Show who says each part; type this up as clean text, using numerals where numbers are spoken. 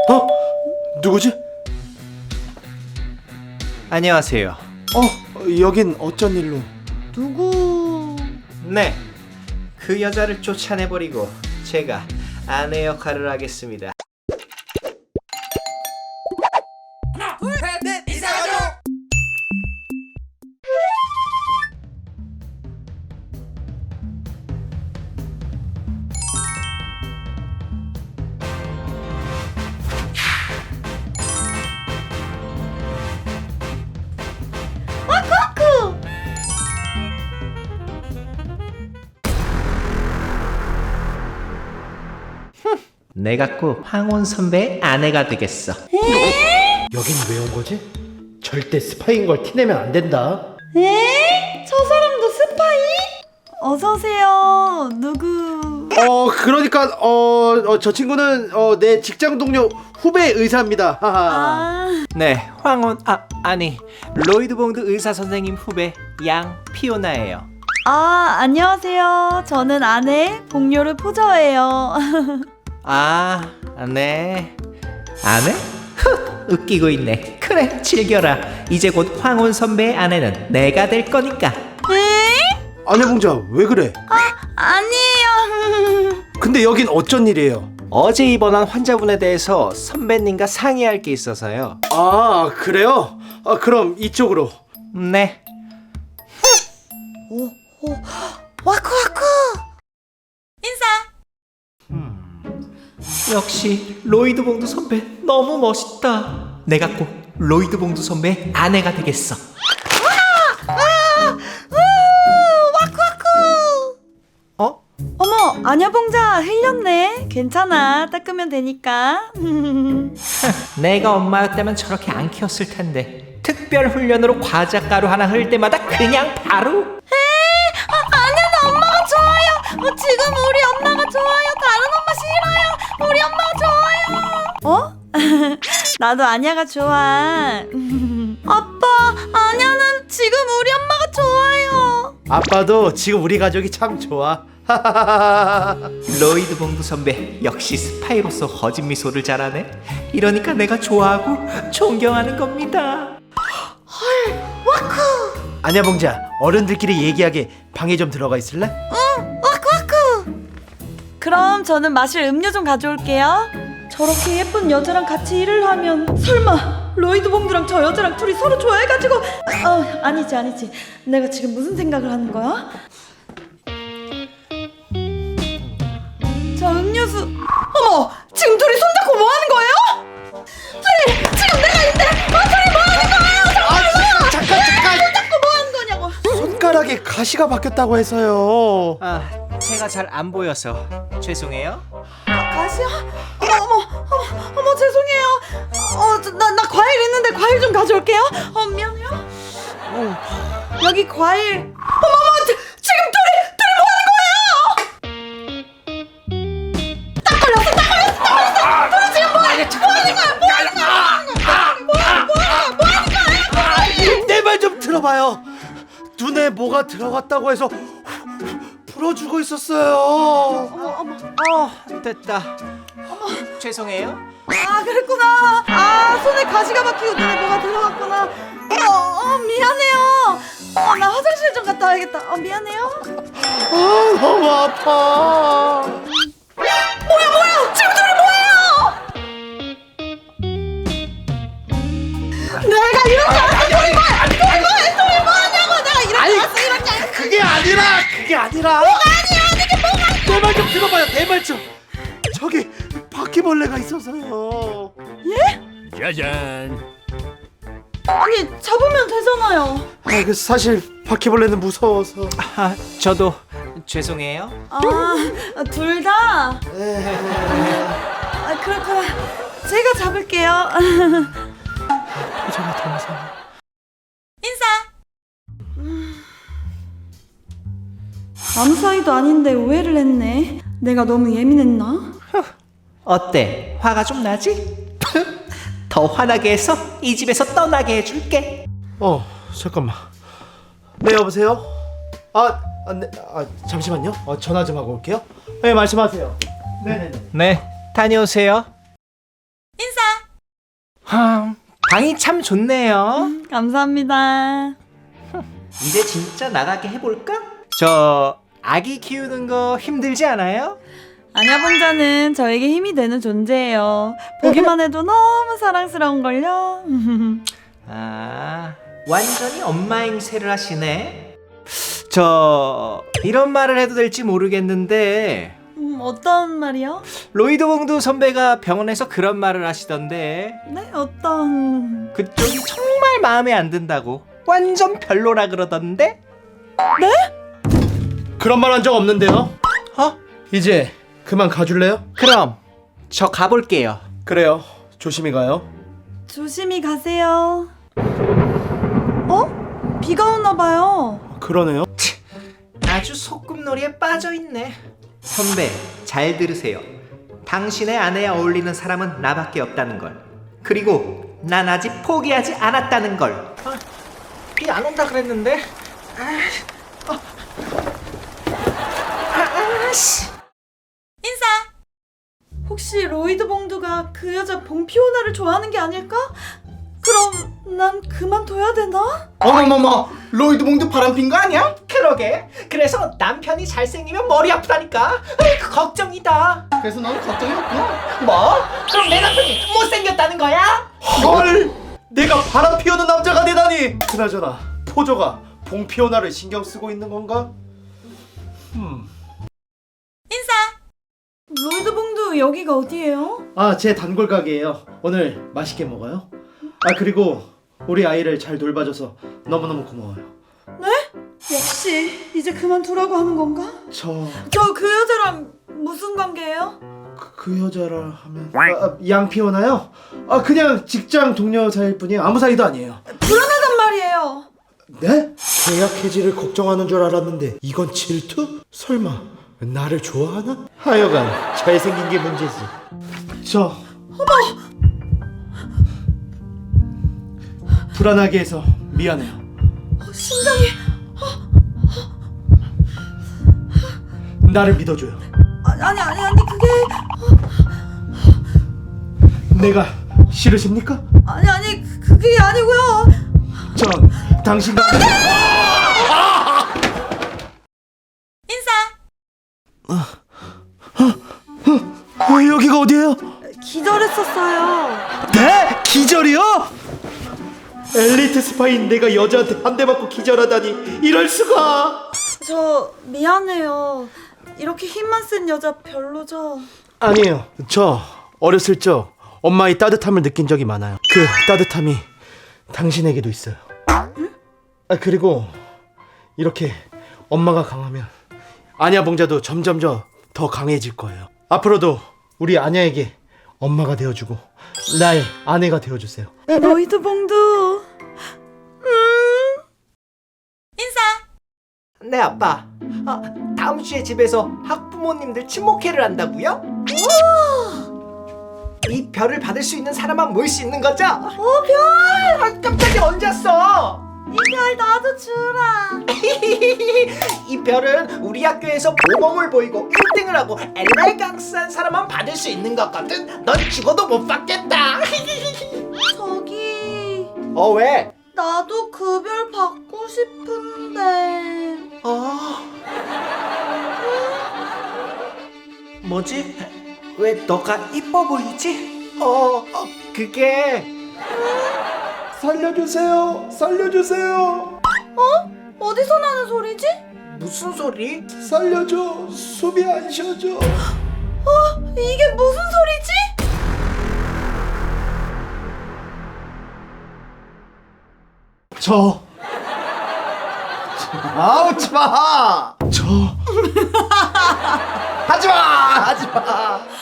Speaker 1: 어? 누구지?
Speaker 2: 안녕하세요.
Speaker 1: 여긴 어쩐 일로?
Speaker 3: 누구?
Speaker 2: 네, 그 여자를 쫓아내버리고 제가 아내 역할을 하겠습니다.
Speaker 3: 와쿠와쿠!
Speaker 2: 내가 꼭 황혼 선배의 아내가 되겠어.
Speaker 1: 여긴 왜 온 거지? 절대 스파이인 걸 티내면 안 된다.
Speaker 3: 에? 저 사람도 스파이? 어서오세요. 누구?
Speaker 1: 그러니까 저 친구는 내 직장 동료 후배 의사입니다. 하하.
Speaker 2: 네, 아니 로이드 봉드 의사 선생님 후배 양 피오나예요.
Speaker 3: 안녕하세요. 저는 아내 복료르 포저예요.
Speaker 2: 네. 아내? 웃기고 있네. 그래, 즐겨라. 이제 곧 황혼 선배의 아내는 내가 될 거니까.
Speaker 1: 아내 봉자 왜 그래?
Speaker 3: 아니에요.
Speaker 1: 근데 여긴 어쩐 일이에요?
Speaker 2: 어제 입원한 환자분에 대해서 선배님과 상의할 게 있어서요.
Speaker 1: 그래요? 그럼 이쪽으로.
Speaker 2: 네.
Speaker 3: 와쿠와쿠! 인사!
Speaker 2: 역시 로이드 봉두 선배 너무 멋있다. 내가 꼭 로이드 봉두 선배의 아내가 되겠어.
Speaker 3: 와쿠와쿠!
Speaker 2: 어?
Speaker 3: 어머, 아냐봉자 흘렸네. 괜찮아. 닦으면 되니까.
Speaker 2: 내가 엄마였다면 저렇게 안 키웠을 텐데. 특별 훈련으로 과자 가루 하나 흘 때마다 그냥 바로.
Speaker 3: 아니야, 나 엄마가 좋아요. 지금 우리 엄마가 좋아요. 다른 엄마 싫어요. 우리 엄마가 좋아요. 나도 아냐가 좋아. 아빠, 아냐는 지금 우리 엄마가 좋아요.
Speaker 1: 아빠도 지금 우리 가족이 참 좋아.
Speaker 2: 로이드 봉두 선배 역시 스파이로서 허짓 미소를 잘하네. 이러니까 내가 좋아하고 존경하는 겁니다.
Speaker 1: 아냐 봉자, 어른들끼리 얘기하게 방에 좀 들어가 있을래?
Speaker 3: 와쿠와쿠! 그럼 저는 마실 음료 좀 가져올게요. 저렇게 예쁜 여자랑 같이 일을 하면 설마 로이드 봉두랑 저 여자랑 둘이 서로 좋아해가지고 아니지. 내가 지금 무슨 생각을 하는 거야? 자, 음료수. 어머! 지금 둘이 손잡고 뭐 하는 거예요? 지금 내가 있는데 둘이 뭐 하는 거예요?
Speaker 1: 잠깐.
Speaker 3: 손잡고 뭐 하는 거냐고.
Speaker 1: 손가락에 가시가 박혔다고 해서요.
Speaker 2: 제가 잘 안 보여서 죄송해요.
Speaker 3: 가시야? 어머, 죄송해요. 나 과일 있는데 과일 좀 가져올게요. 미안해요. 여기 과일. 어머, 지금 둘이 뭐 하는 거예요? 딱 걸렸어. 둘이 지금 뭐 하는 거야?
Speaker 1: 내 말 좀 들어봐요. 눈에 뭐가 들어갔다고 해서 풀어주고 있었어요.
Speaker 2: 됐다. 죄송해요.
Speaker 3: 그랬구나. 손에 가시가 박히고 눈에 뭐가 들어갔구나. 미안해요. 나 화장실 좀 갔다 와야겠다. 미안해요.
Speaker 1: 너무 아파.
Speaker 3: 뭐야? 지금 둘이 뭐예요? 내가 이렇게 왔어. 둘이 뭐하냐고. 내가 이렇게 왔어.
Speaker 1: 그게 아니라. 뭐가 아니야? 내 말 좀 들어봐요. 내 말 좀. 저기 바퀴벌레가 있어서요.
Speaker 4: 짜잔.
Speaker 3: 아니, 잡으면 되잖아요.
Speaker 1: 사실 바퀴벌레는 무서워서.
Speaker 2: 저도 죄송해요.
Speaker 3: 둘 다? 그렇구나. 제가 잡을게요.
Speaker 1: 저가 더 무서워.
Speaker 3: 인사. 아무 사이도 아닌데 오해를 했네. 내가 너무 예민했나?
Speaker 2: 어때? 화가 좀 나지? 더 화나게 해서 이 집에서 떠나게 해줄게.
Speaker 1: 잠깐만. 네, 여보세요? 네, 잠시만요. 전화 좀 하고 올게요. 네, 말씀하세요. 네네네.
Speaker 2: 네, 다녀오세요.
Speaker 3: 인사.
Speaker 2: 방이 참 좋네요.
Speaker 3: 감사합니다.
Speaker 2: 이제 진짜 나가게 해볼까? 저 아기 키우는 거 힘들지 않아요?
Speaker 3: 아냐봉자는 저에게 힘이 되는 존재예요. 보기만 해도 너무 사랑스러운걸요.
Speaker 2: 아, 완전히 엄마 행세를 하시네. 저 이런 말을 해도 될지 모르겠는데
Speaker 3: 어떤 말이요?
Speaker 2: 로이드 봉두 선배가 병원에서 그런 말을 하시던데
Speaker 3: 네, 어떤...
Speaker 2: 그쪽이 정말 마음에 안 든다고 완전 별로라 그러던데?
Speaker 1: 그런 말 한 적 없는데요.
Speaker 2: 어?
Speaker 1: 이제 그만 가줄래요?
Speaker 2: 그럼 저 가볼게요.
Speaker 1: 그래요. 조심히 가요.
Speaker 3: 조심히 가세요. 어? 비가 오나 봐요.
Speaker 1: 그러네요.
Speaker 2: 아주 소꿉놀이에 빠져있네. 선배 잘 들으세요. 당신의 아내에 어울리는 사람은 나밖에 없다는 걸. 그리고 난 아직 포기하지 않았다는 걸. 비 안 온다 그랬는데.
Speaker 3: 인사! 혹시 로이드 봉두가 그 여자 봉피오나를 좋아하는 게 아닐까? 그럼 난 그만둬야 되나?
Speaker 1: 어머머머, 로이드 봉두 바람핀 거 아니야?
Speaker 2: 그러게. 그래서 남편이 잘생기면 머리 아프다니까. 그 걱정이다.
Speaker 1: 그래서 넌 걱정이 없구나.
Speaker 2: 뭐? 그럼 내 남편이 못생겼다는 거야?
Speaker 1: 헐! 내가 바람 피우는 남자가 되다니. 그나저나 포조가 봉피오나를 신경 쓰고 있는 건가?
Speaker 3: 인사! 로이드 봉두 여기가 어디예요?
Speaker 1: 아, 제 단골 가게예요. 오늘 맛있게 먹어요. 아, 그리고 우리 아이를 잘 돌봐줘서 너무너무 고마워요.
Speaker 3: 역시 이제 그만두라고 하는 건가?
Speaker 1: 저
Speaker 3: 그 여자랑 무슨 관계예요?
Speaker 1: 그 여자라 하면 양피오나요? 아, 그냥 직장 동료 사이일 뿐이에요. 아무 사이도 아니에요.
Speaker 3: 불안하단 말이에요.
Speaker 1: 네? 계약 해지를 걱정하는 줄 알았는데 이건 질투? 설마 나를 좋아하나? 하여간 잘생긴 게 문제지. 저 불안하게 해서 미안해요.
Speaker 3: 심장이...
Speaker 1: 나를 믿어줘요.
Speaker 3: 아니 그게...
Speaker 1: 내가 싫으십니까?
Speaker 3: 아니 그게 아니고요.
Speaker 1: 전 당신과
Speaker 3: 인사!
Speaker 1: 여기가 어디예요?
Speaker 3: 기절했었어요.
Speaker 1: 네? 기절이요? 엘리트 스파인 내가 여자한테 한 대 맞고 기절하다니, 이럴 수가.
Speaker 3: 저 미안해요. 이렇게 힘만 센 여자 별로죠?
Speaker 1: 아니에요. 저 어렸을 적 엄마의 따뜻함을 느낀 적이 많아요. 그 따뜻함이 당신에게도 있어요. 응? 아, 그리고 이렇게 엄마가 강하면 아냐 봉자도 점점 더 강해질 거예요. 앞으로도 우리 아냐에게 엄마가 되어주고 나의 아내가 되어주세요.
Speaker 3: 로이드 봉두... 인사!
Speaker 2: 네 아빠. 다음 주에 집에서 학부모님들 친목회를 한다고요? 이 별을 받을 수 있는 사람만 모일 수 있는 거죠? 별! 깜짝이야, 언제 왔어?
Speaker 3: 이 별 나도 주라.
Speaker 2: 이 별은 우리 학교에서 모범을 보이고 1등을 하고 엘날 강스한 사람만 받을 수 있는 거거든. 넌 죽어도 못 받겠다.
Speaker 3: 저기...
Speaker 2: 왜?
Speaker 3: 나도 그 별 받고 싶은데...
Speaker 2: 뭐지? 왜 너가 이뻐 보이지? 그게...
Speaker 1: 살려주세요. 살려주세요.
Speaker 3: 어디서 나는 소리지?
Speaker 2: 무슨 소리?
Speaker 1: 살려줘. 숨이 안 쉬어져.
Speaker 3: 이게 무슨 소리지?
Speaker 1: 저 아우치마. 저 하지마.